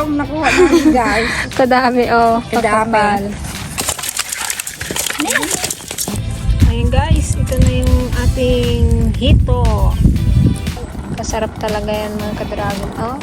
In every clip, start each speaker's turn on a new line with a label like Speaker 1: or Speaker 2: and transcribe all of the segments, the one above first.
Speaker 1: ang nakuha namin guys.
Speaker 2: Kadami, oh.
Speaker 1: Kadami.
Speaker 2: Ayun guys, ito na yung ating hito. Masarap talaga yan mga ka-dragon. Oh.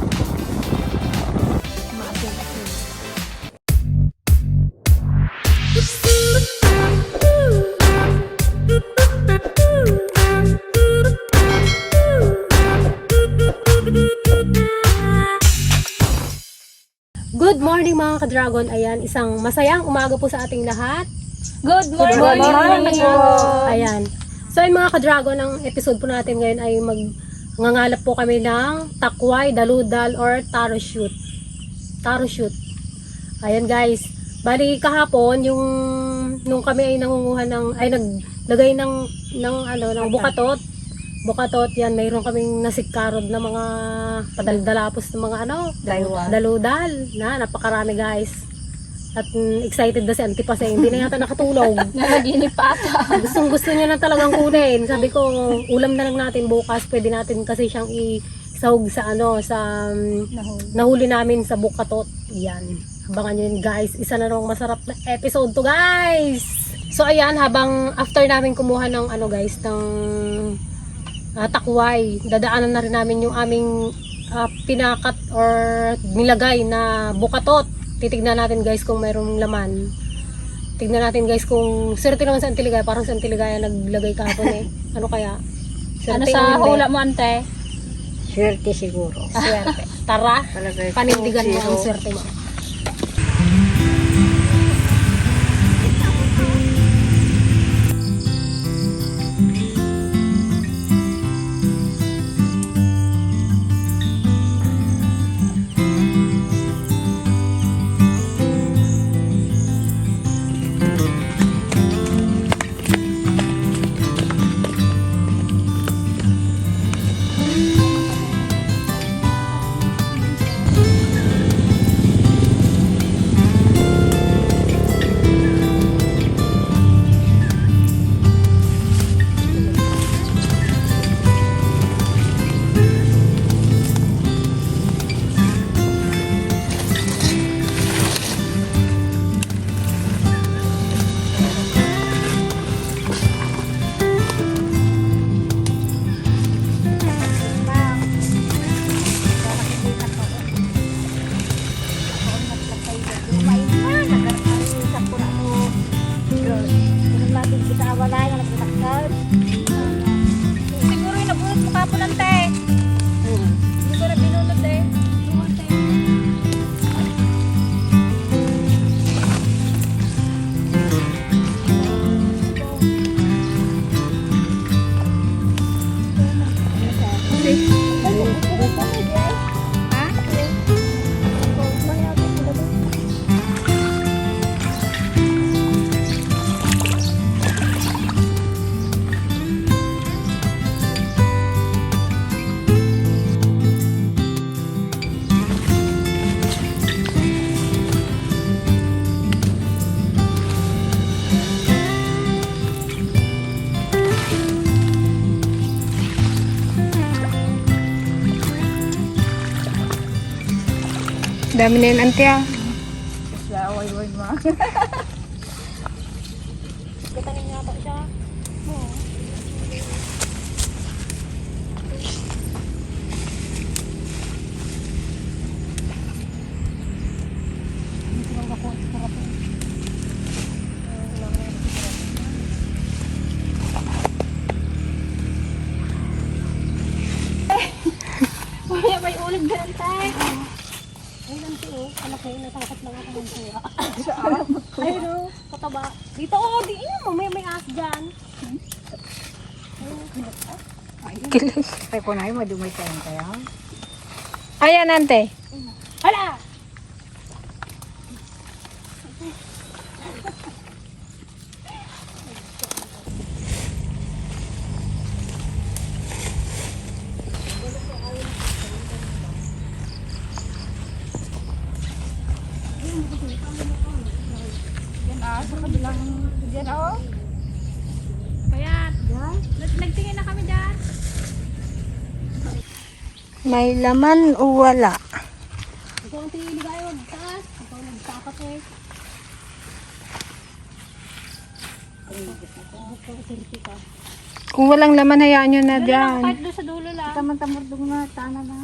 Speaker 2: Good morning mga ka-dragon. Ayan, isang masayang umaga po sa ating lahat.
Speaker 1: Good morning.
Speaker 2: Ayan. So ayun mga ka-dragon, ang episode po natin ngayon ay mangangalap po kami ng takway, daludal, or taro shoot. Taro shoot. Ayan guys. Bali kahapon yung nung kami ay nangunguha ng naglagay ng bukatot yan, mayroon kaming nasigkarod na mga padaldalapos ng mga daludal na napakarami guys. At excited na si Auntie Pasay, hindi na yata nakatulog.
Speaker 1: Nanaginip pa ata.
Speaker 2: Gusto niya na talagang kunin. Sabi ko, ulam na lang natin bukas, pwede natin kasi siyang isahog sa nahuli namin sa bukatot. Yan. Abangan nyo yun guys. Isa na rong masarap na episode to guys. So ayan, habang after namin kumuha ng ng takway, dadaanan na rin namin yung aming pinakat or nilagay na bukatot. Titignan natin guys kung mayroong laman. Tignan natin guys kung swerte naman sa Antiligaya. Parang sa Antiligaya naglagay kahapon eh. Ano kaya?
Speaker 1: Ano sa hula mo ante?
Speaker 3: Swerte siguro.
Speaker 2: Swerte. Tara, panindigan mo ang swerte mo.
Speaker 1: Siguro yung nabunot mo kapon ante. Hindi ko na binunot eh.
Speaker 2: Dami na yun, Auntie ah.
Speaker 1: Siya, wag ma.
Speaker 2: Katanin nga pa siya.
Speaker 1: May ulit din ante.
Speaker 2: Ay, Auntie oh. Malaki, natakot lang ako ng tuwa. Ayun oh, kataba. Dito oh, di mo. May as dyan.
Speaker 3: Kilig. Ay, kunay, madumay tayo kaya.
Speaker 2: Ayan, Ante. Hala!
Speaker 1: Yan sa kabilang dyan
Speaker 2: Kaya,
Speaker 1: nagtingin na kami dyan.
Speaker 3: May laman o wala?
Speaker 2: Ikaw ang tiniligay, huwag taas. Ikaw nagtapat eh.
Speaker 3: Kung walang laman, hayaan nyo na dyan.
Speaker 2: Kahit doon sa dulo lang.
Speaker 1: Tamang-tamurdong na, tana na.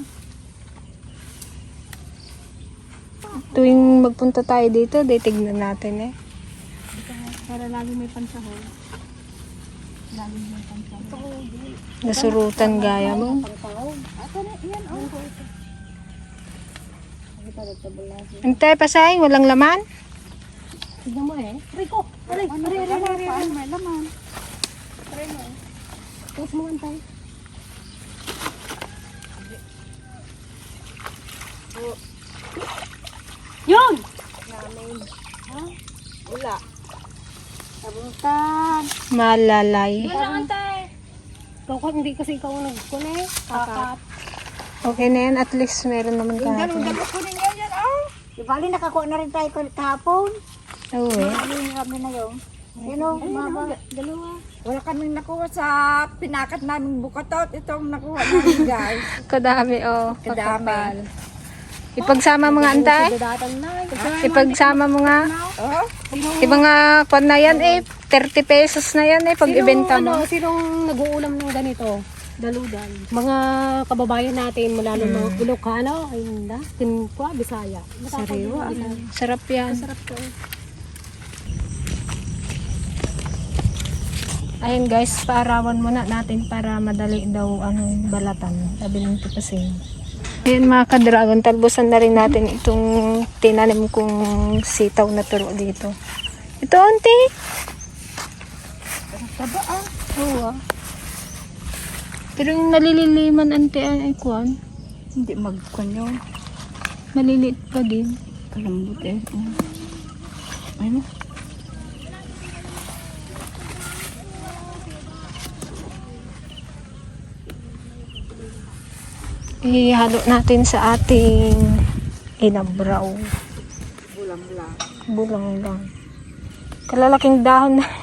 Speaker 3: Tuwing magpunta tayo dito, tignan natin eh.
Speaker 1: Para lagi may pansahol. Lagi may pansahol.
Speaker 3: Nasurutan gaya mo.
Speaker 1: Ito na, yan oh.
Speaker 3: Antay, pasay, walang laman?
Speaker 2: Tignan mo eh. Rico! Aray!
Speaker 1: May laman.
Speaker 2: Tapos mo antay. Yun!
Speaker 1: Wala. Sabutan.
Speaker 3: Malalay.
Speaker 2: Yun lang antay. Ikaw ka, hindi kasi ikaw ang nagkune. Kakat.
Speaker 3: Okay na yan, at least meron naman kahapon.
Speaker 1: Dalo ko ninyo yan oh. Di bali nakakuha na rin tayo kahapon.
Speaker 3: Oo eh.
Speaker 1: Alin kami na yun. Sino? Mama.
Speaker 2: Dalawa.
Speaker 1: Wala kaming nakuha sa pinakat naming bukatot. Itong nakuha namin guys.
Speaker 3: Kadami oh.
Speaker 1: Kadami.
Speaker 3: Kakapal. Ipagsama mo nga antay.
Speaker 2: Dadatan na.
Speaker 3: Ipagsama mo nga.
Speaker 1: Oh.
Speaker 3: Ibang nga kwan na yan eh. 30 pesos na yan eh pag ibenta mo.
Speaker 2: Sinong nag-uulam ng ganito? Daludan. Mga kababayan natin mula ng mga Ilocano, ayun na, Timpua, Bisaya.
Speaker 3: Sariwa. Sarap yan.
Speaker 2: Sarap to.
Speaker 3: Ayun guys, paarawan muna natin para madali daw balatan. Sabi ng tipasing. Ayun mga ka-dragon, talbusan na rin natin itong tinanim kong sitaw na turo dito. Ito, auntie. Oo ah. Pero yung nalililiman ante ay kwan,
Speaker 1: Hindi magkon yun.
Speaker 3: maliliit pa din.
Speaker 1: Kalambot eh. Ano?
Speaker 3: Ihalo natin sa ating inabraw.
Speaker 1: Bulang lang.
Speaker 3: Bulang lang. Kalalaking dahon na.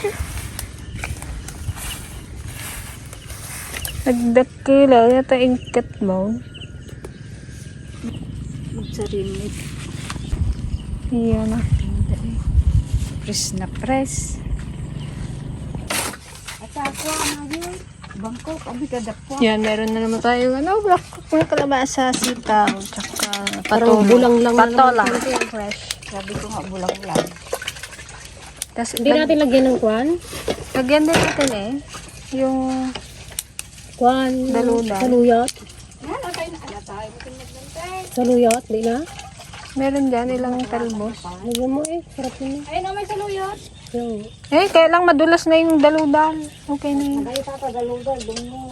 Speaker 3: Nagdakila, yata ingkat mo.
Speaker 1: Magsarinit.
Speaker 3: Iyan na.
Speaker 1: Press na press. At ako na yun. Bangkok, abi ka dapo.
Speaker 3: Yan, meron na naman tayo. Black cook na kalabasa, sitaw, tsaka
Speaker 2: Parang
Speaker 3: patulo.
Speaker 2: bulang lang
Speaker 3: Patola.
Speaker 2: naman ito yung fresh.
Speaker 1: Sabi ko nga bulang lang.
Speaker 3: Tapos,
Speaker 2: Hindi natin lagyan ng kwan.
Speaker 3: lagyan din natin eh. Yung
Speaker 2: Kwan.
Speaker 3: Daludan.
Speaker 2: Saluyot.
Speaker 1: Yan, okay na. Ala tayo. Makinagdantay.
Speaker 2: Saluyot, di na.
Speaker 3: meron dyan ilang talbos.
Speaker 2: Lagyan mo eh. Sarap yun eh.
Speaker 1: Ay, na may saluyot.
Speaker 2: Yung,
Speaker 3: Kaya lang madulas na yung daludal. Okay na yun.
Speaker 1: Ay, papagalugan. Doon mo.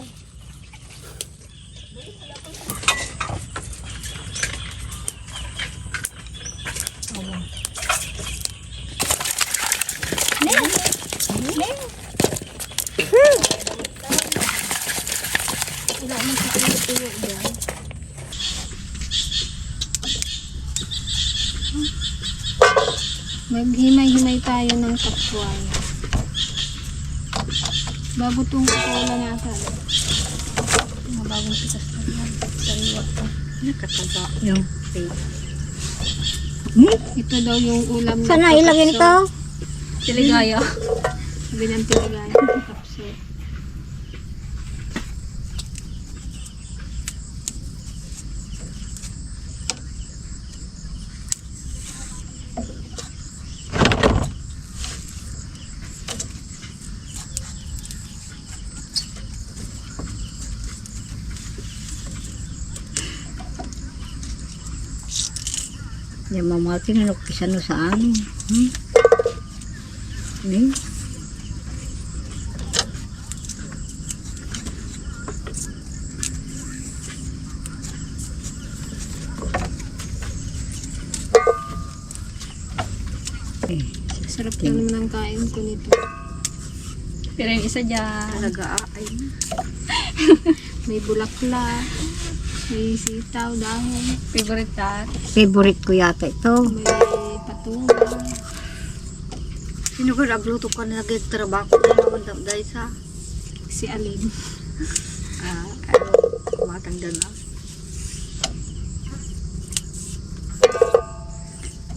Speaker 3: Maghimay-himay tayo ng takway. Bago itong kukuha na ata. Mga bagong pitas na yan. Sariwa pa.
Speaker 1: Nakataga. Yung face.
Speaker 3: Ito daw yung ulam na
Speaker 1: Sana ilagyan ito.
Speaker 3: Tiligaya. Sabi ng tiligaya. Kapso.
Speaker 1: Yung mga tinanok pisano sa amin.
Speaker 3: Sarap lang naman ang kain ko nito. Pero yung isa dyan,
Speaker 1: Nag-aay.
Speaker 3: may bulaklak, may sitaw, dahon. Favorite tat.
Speaker 1: Favorite ko yata ito.
Speaker 3: May patunga.
Speaker 1: Sino ko nagluto ka na nag-trabaho na naman dahil sa
Speaker 3: Si Alin.
Speaker 1: matanda na.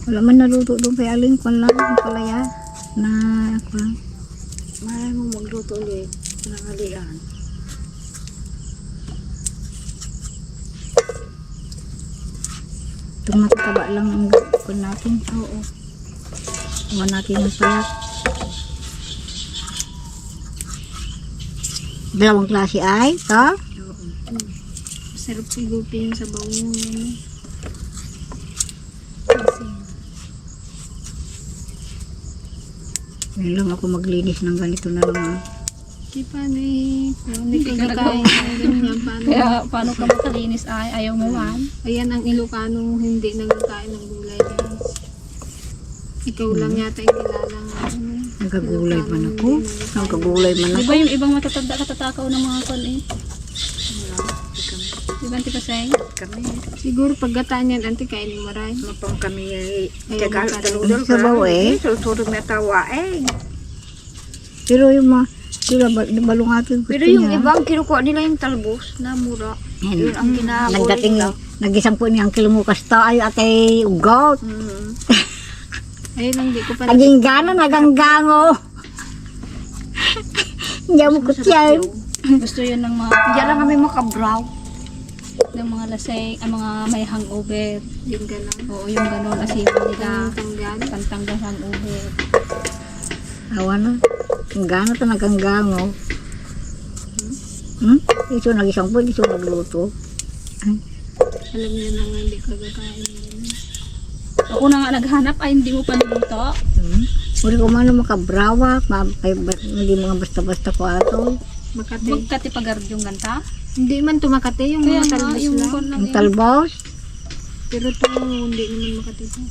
Speaker 1: Wala man naluto doon kay Aling kwan lang, ang palaya. Na, kwan. Malay mo magluto ulit. Nangalian. Itong matataba lang ang kwan natin. Oo. Huwag natin ang payat. Dalawang klase ay, ito.
Speaker 3: Sarap sigupin sa bawang yun.
Speaker 1: Ngayon lang ako maglinis ng ganito na lang.
Speaker 3: Di paano eh. Hindi ka kakain ng ganyan.
Speaker 2: Kaya paano ka makalinis ay ayaw mo man?
Speaker 3: Ayan ang Ilocano hindi nagkakain ng gulay, guys. Ikaw lang yata yung kilalang
Speaker 1: Nagkagulay man ako. Nagkagulay man
Speaker 2: Di
Speaker 1: ako.
Speaker 2: ba yung ibang matatanda katatakaw ng mga kon eh? Di ba Auntie Paseng?
Speaker 1: Kami.
Speaker 3: siguro paggataan yan, auntie, kain mo maray.
Speaker 4: Mapang kami
Speaker 3: tagal-
Speaker 4: daludol
Speaker 1: Sa bawo eh.
Speaker 4: Sulturo may tawa eh.
Speaker 1: Pero yung mga, sila balungatin ko
Speaker 4: Pero yung ibang kinukuha nila yung talbos na mura. Yun ang kinahabol
Speaker 1: Nagdating,
Speaker 4: nila.
Speaker 1: nagisang po niyang kilumukas to. Ay, ate, ugot.
Speaker 3: Ayun lang, di ko pa
Speaker 1: Naging gana, naganggango. Hindi mo kutsyan.
Speaker 2: Gusto yun ng mga
Speaker 4: Diyan lang kami makabraw.
Speaker 2: ng mga lasing, mga may hangover.
Speaker 3: yung gano'n.
Speaker 2: Oo, yung gano'n asiwa nila.
Speaker 3: Tanggal.
Speaker 2: Pantanggal hangover.
Speaker 1: Awa na. Ang gana to, naganggango. Ito nagisang po, ito nagluto.
Speaker 3: Alam niya na nga, hindi ka kakain.
Speaker 2: Ako na nga naghanap ay hindi mo pa niluto.
Speaker 1: Uli ko man makabrawak, hindi mga basta-basta ko ato.
Speaker 3: Makati.
Speaker 2: Magkatipagard yung ganta.
Speaker 3: Hindi man tumakate yung
Speaker 2: Kaya
Speaker 3: mga
Speaker 2: nga,
Speaker 3: talbos
Speaker 2: yung
Speaker 3: lang.
Speaker 2: kon lang
Speaker 1: Ang talbos.
Speaker 3: Pero ito, hindi naman makati ito.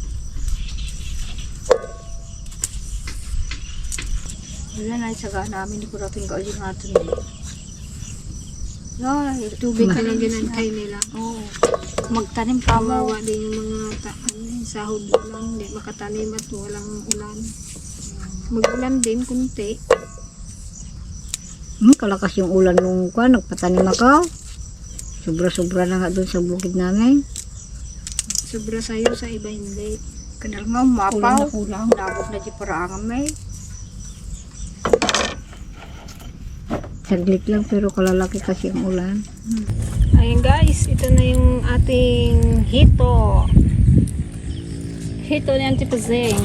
Speaker 4: Wala na isaga namin. Hindi ko natin gawin natin eh.
Speaker 3: Tubig ka lang ginantay nila.
Speaker 4: Oo. Magtanim pa mo.
Speaker 3: Kawawa din yung mga sahod lang. Hindi makatanim at walang ulan. Mag-ulan din, kunti.
Speaker 1: Kalakas yung ulan nung kwan, nagpatanim ako. Sobra-sobra na nga doon sa bukid namin.
Speaker 3: Sobra sa'yo, sa iba hindi.
Speaker 4: Kanal nga mapaw.
Speaker 2: kulang.
Speaker 4: Nabot na di paraangan may.
Speaker 1: Saglit lang pero kalalaki kasi ang ulan.
Speaker 3: Ayun guys, ito na yung ating hito.
Speaker 2: Hito ni Auntie Paseng.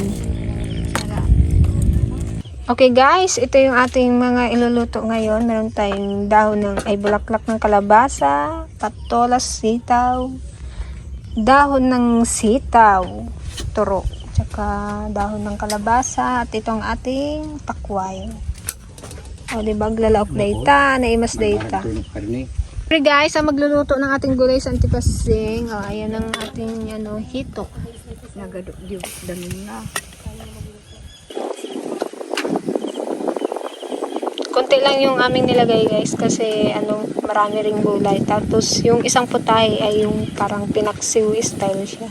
Speaker 3: Okay guys, ito yung ating mga iluluto ngayon. Meron tayong dahon ng ay bulaklak ng kalabasa, patolas, sitaw, dahon ng sitaw, turo, tsaka dahon ng kalabasa, at itong ating takway. O diba, glalaok data, naimas data. Okay guys, ang magluluto ng ating gulay sa Auntie Paseng. O, ayan ang ating hito.
Speaker 4: Nagadok di dami na.
Speaker 3: Konti lang yung aming nilagay guys kasi marami ring gulay. Tapos yung isang putahe ay yung parang pinaksiw style siya.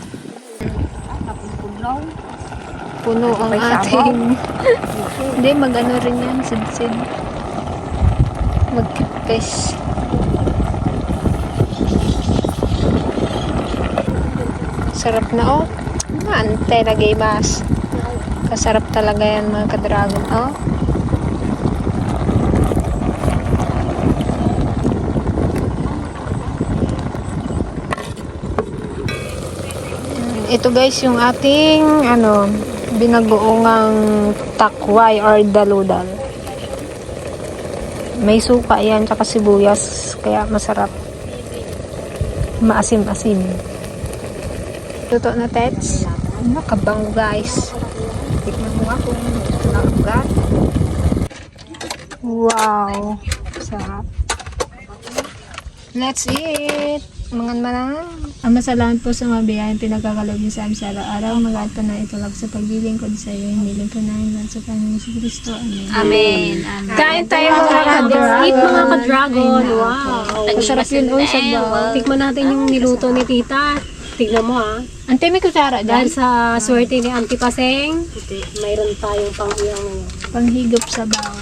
Speaker 3: Puno ang ating hindi, mag-ano rin yan, sid-sid. Mag-fish. Sarap na oh. Ante na mas. Kasarap talaga yan mga ka-dragon oh. Ito guys yung ating binagoongang takway or daludal. May suka yan tsaka sibuyas kaya masarap. Maasim-asim. Luto na tets. Nakabango guys.
Speaker 4: Tikman mo nga kung nakagat.
Speaker 3: Wow. Sarap. Let's eat. Mangan manang. Ang masalamat po sa mga biyayang pinagkakalog niyo sa amin sa araw-araw. Mag-ato na itulog sa pagiling ko sa iyo. Hiniling ko na yun sa Panginoon sa Kristo. Amen.
Speaker 2: Amen.
Speaker 3: Kain tayo mga ka-dragon.
Speaker 2: Eat mga ka-dragon. Wow.
Speaker 3: Masarap yun o sa baw.
Speaker 2: Tikman natin yung niluto ni tita. Tignan mo ha.
Speaker 3: Ante, may kutsara dyan.
Speaker 2: Dahil sa swerte ni Auntie Paseng, mayroon tayong pang-iyang ngayon.
Speaker 3: Panghigop sa baw.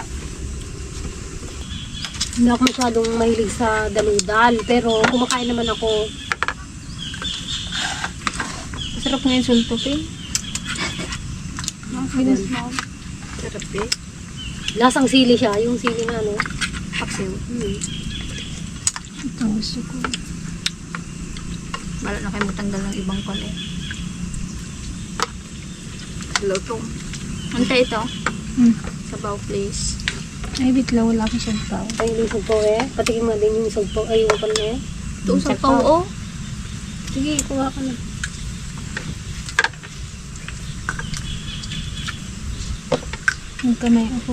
Speaker 2: Hindi ako masyadong mahilig sa daludal, pero kumakain naman ako.
Speaker 3: Sarap ngayon sultupin.
Speaker 4: Sarap eh.
Speaker 2: Lasang sili siya, yung sili na ano.
Speaker 4: Paksiw.
Speaker 3: Ito gusto ko.
Speaker 4: Wala na kayo matanggal ng ibang kon eh. Lutong. Ante ito. Sabaw please.
Speaker 3: Ay, bitla, wala akong sabaw.
Speaker 2: Ay, yung sugpo eh. Patikin mo din yung sugpo. Ay, yung pan eh.
Speaker 4: Ito sa pao oh.
Speaker 2: Sige, kuha ka na.
Speaker 3: Nagkamay ako.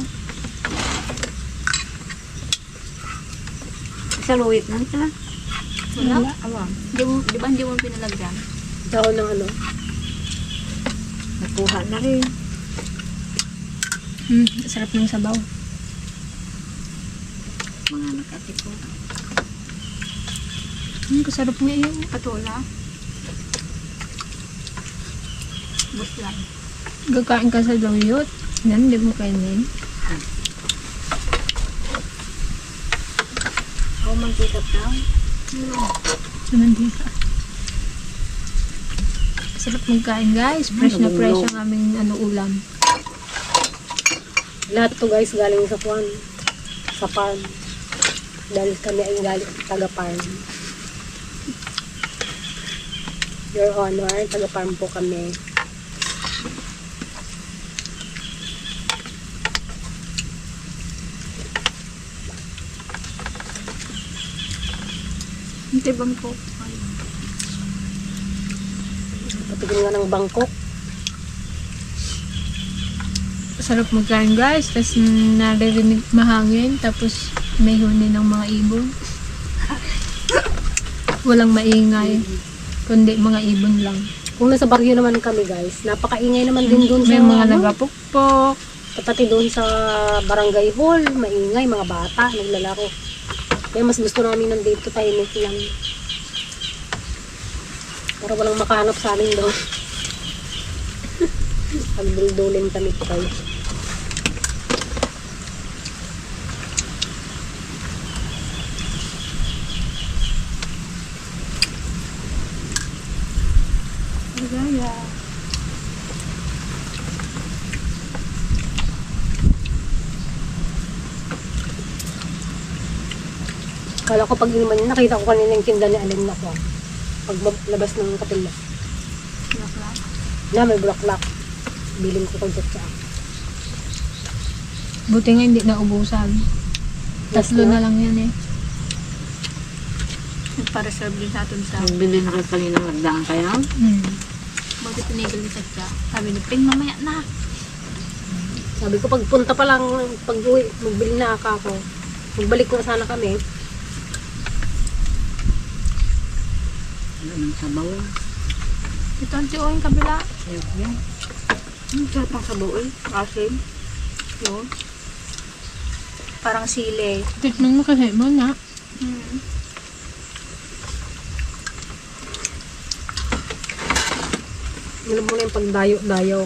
Speaker 4: Sa luwit na ito. Wala?
Speaker 3: Wala.
Speaker 4: Awang. Di ba hindi mo pinalagyan?
Speaker 2: Daon ng ano.
Speaker 4: Nakuha na rin.
Speaker 3: Sarap ng sabaw.
Speaker 4: Mga nakatiko.
Speaker 3: Kasarap nga yun.
Speaker 4: Patula. Bus lang.
Speaker 3: Gakain ka sa luyot. Yan, di mo kainin.
Speaker 4: Ako magkikap na.
Speaker 3: Sumandita. Sarap magkain guys. Fresh na fresh ang aming ulam.
Speaker 2: Lahat to guys galing sa kwan. Sa farm. Dahil kami ay galing taga-farm. Your Honor, taga-farm po kami.
Speaker 4: Hindi bang po?
Speaker 2: Patigil nga ng Bangkok.
Speaker 3: Sarap magkain guys. Tapos naririnig mahangin. Tapos may huni ng mga ibon. Walang maingay. Kundi mga ibon lang.
Speaker 2: Kung nasa Baguio naman kami guys, napakaingay naman din doon sa
Speaker 3: May mga
Speaker 2: ano,
Speaker 3: nagapukpok.
Speaker 2: pati doon sa barangay hall, maingay, mga bata, naglalaro. Kaya mas gusto namin nandito tahimik lang. Para walang makahanap sa amin doon. Pagdulduling kami guys.
Speaker 4: Ligaya.
Speaker 2: Kala ko pag inuman yun, nakita ko kanina yung tinda ni Alin na ko. Pag labas ng kapila.
Speaker 4: Laklak.
Speaker 2: Na may bulaklak. Biling ko kay Tsa.
Speaker 3: Buti nga hindi naubusan. Tatlo na lang yan eh.
Speaker 4: Nagpa-reserve din natin sa
Speaker 5: Nagbili na kayo kanina magdaan kayo?
Speaker 4: bakit tinigil ni Satya. Sabi ni Ping, mamaya na.
Speaker 2: Sabi ko pagpunta pa lang, pag uwi, magbili na ako. Magbalik na sana kami.
Speaker 5: Ano ng sabaw?
Speaker 4: Ito ang tiyo yung kabila.
Speaker 5: Ayok yan.
Speaker 4: Sarap ang sabaw eh. Asin. Yun. Parang sili.
Speaker 3: Tikman mo kasi mo na.
Speaker 2: Alam mo na yung pagdayo-dayo.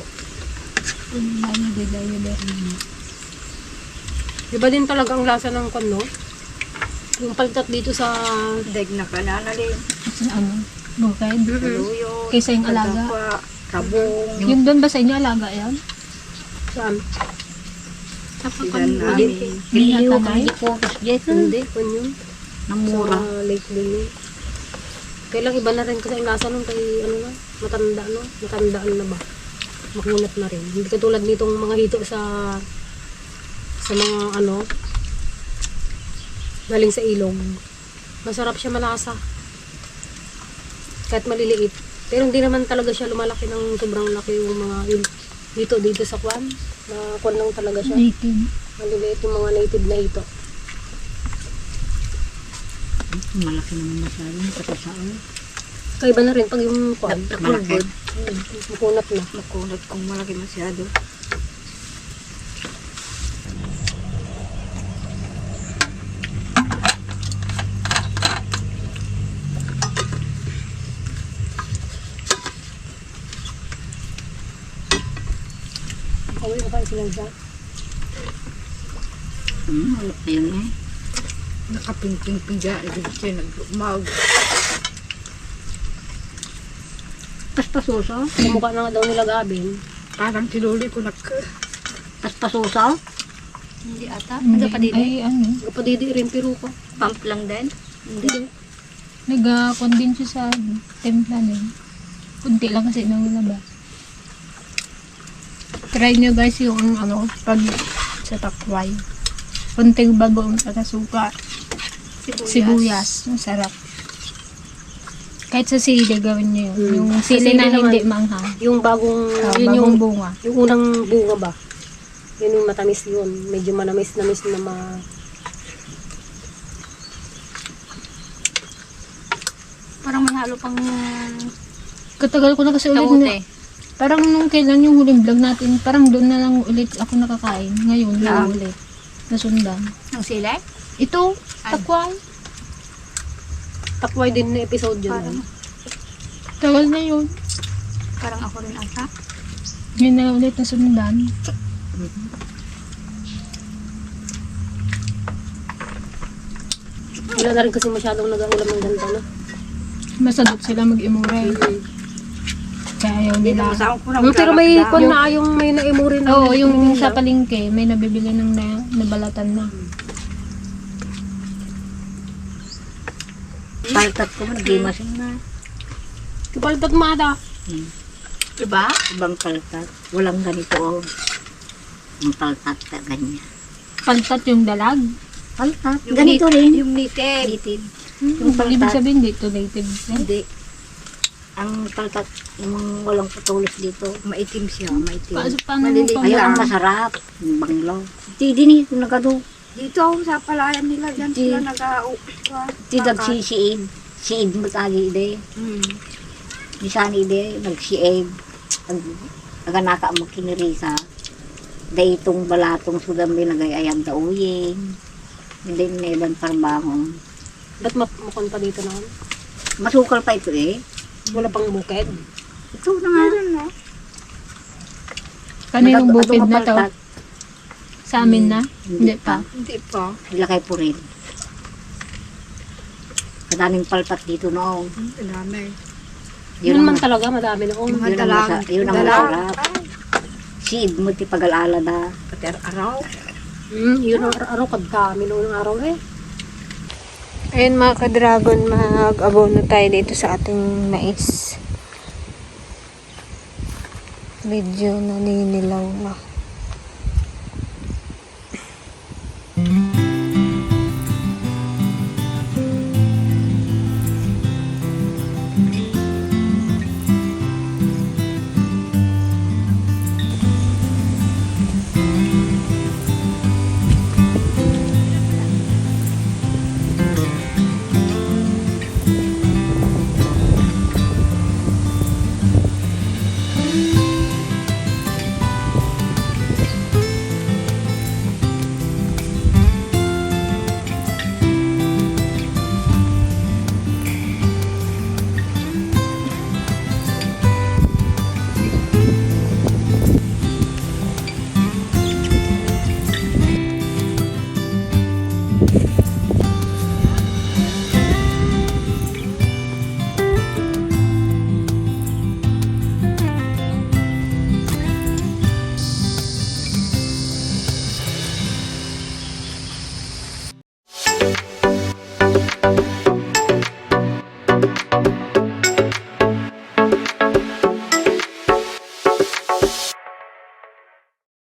Speaker 2: Diba din talaga ang lasa ng kon, no? Yung paltat dito sa...
Speaker 4: Deg na kananalin.
Speaker 3: Ano? Bukid.
Speaker 4: Luyo.
Speaker 3: Kaysa yung alaga.
Speaker 4: Kabong.
Speaker 3: Yung doon ba sa inyo alaga yan?
Speaker 2: Saan?
Speaker 4: Tapakan
Speaker 5: Ilan
Speaker 4: namin.
Speaker 5: Biliw
Speaker 3: natanay?
Speaker 5: kami di focus jet.
Speaker 2: Hindi, kon yun.
Speaker 5: Namura.
Speaker 2: Sa lake din yun. Kailang iba na rin kasi ang lasa nun kay ano na, matanda no? Matandaan na ba? Makunat na rin. Hindi katulad nitong mga hito sa mga ano galing sa ilog. Masarap siya malasa. Kahit maliliit. Pero hindi naman talaga siya lumalaki ng sobrang laki yung mga dito sa kwan. Na kwan lang talaga siya.
Speaker 3: Native.
Speaker 2: Maliliit yung mga native na hito.
Speaker 5: Malaki naman masyado. Katasaan.
Speaker 2: Kaiba na rin pag yung kwan.
Speaker 5: Malaki.
Speaker 2: Makunat na.
Speaker 4: Makunat kung malaki masyado.
Speaker 2: Kawin na kayo sila dyan.
Speaker 5: Ayun eh.
Speaker 4: Nakapingping-pingga. Hindi siya nag-umag.
Speaker 5: Paspasuso?
Speaker 2: Kumukha na nga daw nila Gabin.
Speaker 1: Parang tinuli ko
Speaker 5: Paspasuso?
Speaker 4: Hindi ata.
Speaker 3: Hindi.
Speaker 4: Nagpapadili.
Speaker 3: Ay, ano.
Speaker 2: Kapadidi rin pero ko.
Speaker 4: Pump lang din.
Speaker 2: Hindi.
Speaker 3: Nag-condensate siya sa templa din. Kunti lang kasi nalabas. Try nyo guys yung ano, pag sa takway. Kunting bagoong at suka. Sibuyas. Masarap. Kahit sa sili gawin nyo yun. Yung
Speaker 2: Sa
Speaker 3: sili
Speaker 2: sili
Speaker 3: na
Speaker 2: naman,
Speaker 3: hindi manghang.
Speaker 2: Yung bagong, yun
Speaker 3: Bagong
Speaker 2: yung,
Speaker 3: bunga.
Speaker 2: yung unang bunga ba? Yun yung matamis yun. Medyo manamis-namis na
Speaker 4: Parang may halo pang
Speaker 3: Katagal ko na kasi ulit
Speaker 4: kamote.
Speaker 3: na. Parang nung kailan yung huling vlog natin, parang doon na lang ulit ako nakakain. Ngayon, na ulit. Nasundan.
Speaker 4: Ang sili?
Speaker 3: Ito,
Speaker 4: Ay.
Speaker 3: takway.
Speaker 2: takway din na episode yun.
Speaker 4: Parang,
Speaker 3: Tagal na yun.
Speaker 4: parang ako rin ata.
Speaker 3: Ngayon na ulit nasundan.
Speaker 2: Wala na rin kasi masyadong nag-aulam ng ganda na.
Speaker 3: Masadot sila mag-imura eh. Kaya ayaw nila.
Speaker 2: Pero may kon na yung may naimurin na.
Speaker 3: Oo, yung sa palengke, may nabibili ng nabalatan na.
Speaker 5: Paltat ko man, di masin na.
Speaker 2: Kapalitat mo ata.
Speaker 4: Diba?
Speaker 5: Ibang paltat. Walang ganito. Oh. Ang paltat na ganyan.
Speaker 3: Paltat yung dalag.
Speaker 5: Paltat. Ganito rin.
Speaker 4: Yung native.
Speaker 5: Native.
Speaker 3: Yung
Speaker 5: paltat.
Speaker 3: ibig sabihin dito native.
Speaker 5: Hindi. Ang paltat, yung walang putulis dito.
Speaker 4: Maitim siya, maitim.
Speaker 3: Paano mo
Speaker 4: Maliliit.
Speaker 3: pa?
Speaker 5: Ayun ang masarap. Yung banglaw. Di din yung nagado.
Speaker 4: Dito sa palayan nila, dyan
Speaker 5: Di-
Speaker 4: sila nag-uukwa.
Speaker 5: Di nagsisiid. Siid mo tagi ide. Di saan ide. Nagsiid. Naganaka mo kinirisa. Day itong balatong sudam din nagayayam da uyeng. Hindi nilang parbangon.
Speaker 2: Ba't mapukon pa dito na?
Speaker 5: Masukal pa ito eh.
Speaker 2: Wala pang bukid.
Speaker 5: Ito na nga.
Speaker 3: Kaninong bukid na to?
Speaker 5: Paltat.
Speaker 3: Sa amin na? Hindi pa.
Speaker 4: Hindi pa.
Speaker 5: Ilakay po rin. Kadaming palpat dito noong.
Speaker 4: Dami.
Speaker 2: Yun man talaga, madami noon.
Speaker 4: Mga dalang.
Speaker 5: Yun ang masarap. Siid mo ti pag-alala da.
Speaker 4: Pater araw.
Speaker 2: Yun ang araw kadami noon ang araw eh.
Speaker 3: Ayun mga ka-dragon, mag-abono tayo dito sa ating mais. Medyo naninilaw na.